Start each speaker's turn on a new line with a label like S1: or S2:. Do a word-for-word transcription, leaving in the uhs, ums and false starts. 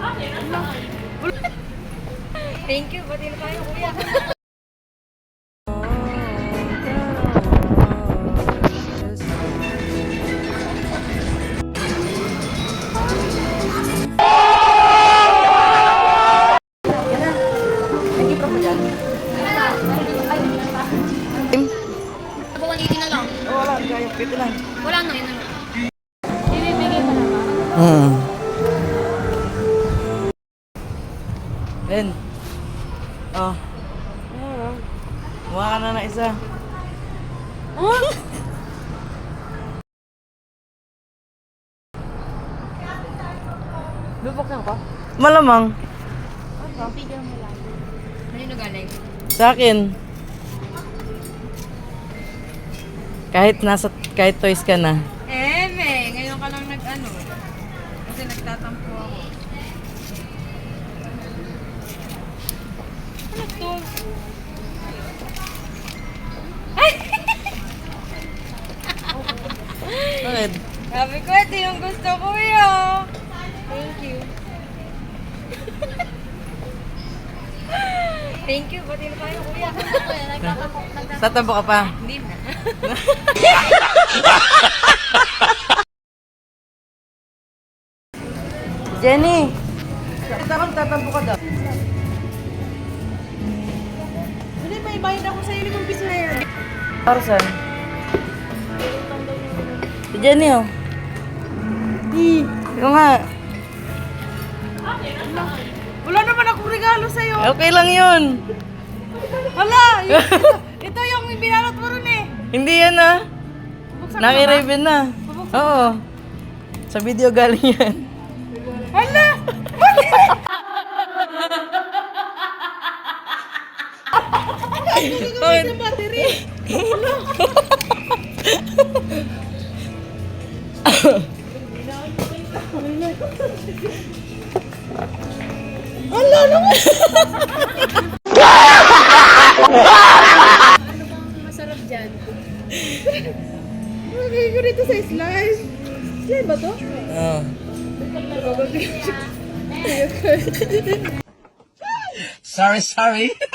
S1: Thank you, pati na tayo, kuya.
S2: one eighty na lang.
S1: Wala, kaya pito lang.
S2: Wala na, yun na lang. Ibibigay pa naman.
S1: Hmm. Ben. Oh. Kuha ka na na isa.
S2: Bubok na ko?
S1: Malamang.
S2: Bigyan mo lang. Kanino galing?
S1: Sa akin. Kahit nasa, kahit toys ka na.
S2: Eh, me, ngayon ka lang nag-ano. Kasi nagtatampo ako. Ano to?
S1: Bakit?
S2: Sabi ko, ito yung gusto ko yun. Thank you. Thank you, pati na tayo, kuya.
S1: Tatampo ka pa?
S2: Hindi na.
S1: Jenny! Bakit ako tatampo ka daw?
S2: Hindi, may bayad ako sa limang piso na yan.
S1: Parsan? Si Jenny oh. Hi. Yung nga.
S2: Wala naman akong regalo sa'yo.
S1: Okay lang yun.
S2: Hala! Ito yung binalot mo rin eh.
S1: Hindi yan ah.
S2: Buksan mo ba?
S1: Naki-raven na. Oo. Sa video galing yan.
S2: Hala!
S1: Bakit?
S2: Sa battery. Hala naman! Ano bang masarap dyan? Lagay ko dito sa slice. Slice ba to?
S1: Oo. Sorry, sorry.